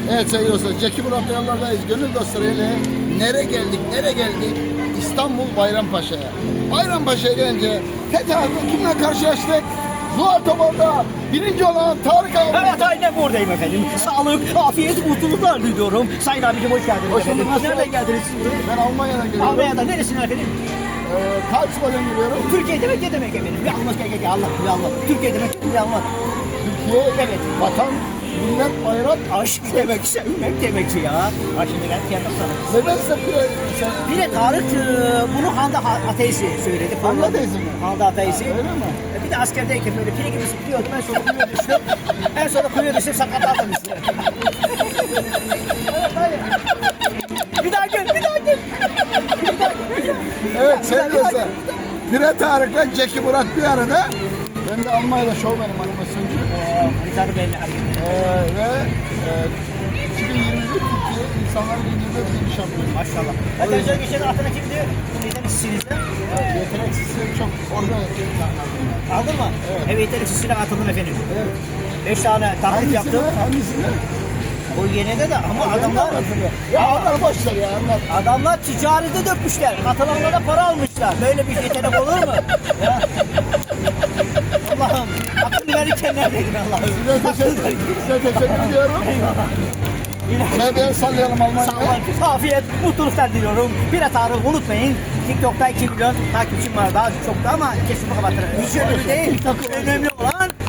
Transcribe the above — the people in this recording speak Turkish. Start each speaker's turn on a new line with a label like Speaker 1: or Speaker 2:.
Speaker 1: Evet sevgili dostlar, Zeki Murat yollardayız. Gönül dostları ile nereye geldik, nereye geldik? İstanbul Bayrampaşa'ya. Bayrampaşa'ya gelince Fethiye'de kimle karşılaştık? Zuhal Topal'da birinci olan Tarık abi.
Speaker 2: Evet aynen buradayım efendim. Sağlık, afiyet, mutluluklar diliyorum. Sayın abicim hoş geldiniz.
Speaker 1: Hoş bulduk.
Speaker 2: efendim. Nereden geldiniz?
Speaker 1: Ben Almanya'dan geliyorum.
Speaker 2: Almanya'da neresine efendim?
Speaker 1: Karlsruhe'den geliyorum.
Speaker 2: Türkiye demek ne demek efendim? Bir anlat gel Allah bir anlat. Türkiye demek bir anlat.
Speaker 1: Türkiye,
Speaker 2: Evet.
Speaker 1: vatan, millet, bayrak.
Speaker 2: Aşk demek, sevmek demek ya. Ha şimdi ben fiyat sana.
Speaker 1: Neden sen
Speaker 2: Bir de Tarık bunu Handa Ateisi söyledi.
Speaker 1: Handa Ateisi mi?
Speaker 2: Handa Ateisi.
Speaker 1: Öyle mi?
Speaker 2: Bir de askerdeyken böyle pire gibi sıkıyordum. En sonra kuyuya düştüm. En sonra kuyuya düştüm sakatladım işte. Bir daha gel, bir daha gel.
Speaker 1: Evet sevgili dostlar. Pire Tarık'la Zeki Murat bir arada. Ben de Almanya'da şovmenim animasyoncu.
Speaker 2: Ricardo belli.
Speaker 1: Ve 2021 Türkiye İnsanlar Günü'nde bir şampiyon.
Speaker 2: Maşallah. Arkadaşlar geçen altına kimdi? Neyden sizde?
Speaker 1: Yeteneksizleri çok orada insanlar.
Speaker 2: Aldın mı? Evet. Yeteneksizine atıldım efendim.
Speaker 1: Evet.
Speaker 2: 5 tane taklit yaptım.
Speaker 1: Hangisini?
Speaker 2: O yenide de ama adamlar...
Speaker 1: Ya onlar boşver ya anlat.
Speaker 2: Adamlar ticarete dökmüşler. Katılanlara para almışlar. Böyle bir yetenek olur mu? Ya. Allah'ım. Akıl verirken neredeydin Allah'ım?
Speaker 1: Size teşekkür ediyorum. Medya sallayalım Almanya'ya.
Speaker 2: Sağlık, afiyet, mutluluklar diliyorum. Pire Tarık unutmayın. TikTok'ta 2 milyon takipçim var daha çok da ama kesin kapatırım. Hiç önemli değil. Önemli olan